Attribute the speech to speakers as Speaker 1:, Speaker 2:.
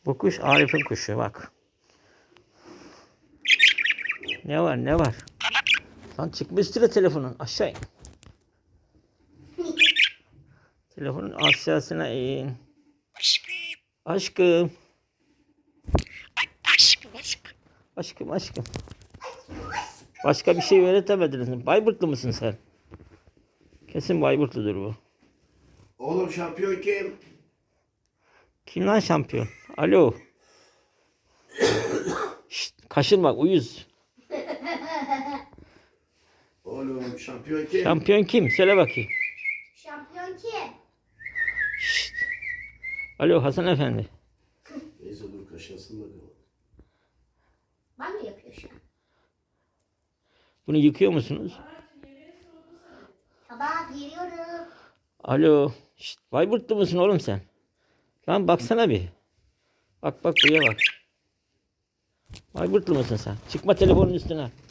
Speaker 1: Bu kuş Arif'in kuşu bak. Ne var ne var? Lan çıkma üstüne telefonun aşağı in. Telefonun aşağısına in. Aşkım. Aşkım aşkım. Başka bir şey öğretemediniz mi? Bayburtlu musun sen? Kesin Bayburtludur bu.
Speaker 2: Oğlum şampiyon kim?
Speaker 1: Kim lan şampiyon? Alo. Şşt, kaşınma uyuz.
Speaker 2: Oğlum şampiyon kim?
Speaker 1: Şampiyon kim? Söyle bakayım.
Speaker 3: Şampiyon kim?
Speaker 1: Şşt. Alo Hasan Efendi.
Speaker 2: Neyse dur kaşınsın bakalım.
Speaker 3: Ben mi yapıyor şu an?
Speaker 1: Bunu yıkıyor musunuz?
Speaker 3: Tamam geliyorum.
Speaker 1: Alo. Şşt, Bayburtlu musun oğlum sen? Lan baksana bir. Bak bak buraya bak. Bayburtlu musun sen? Çıkma telefonun üstüne.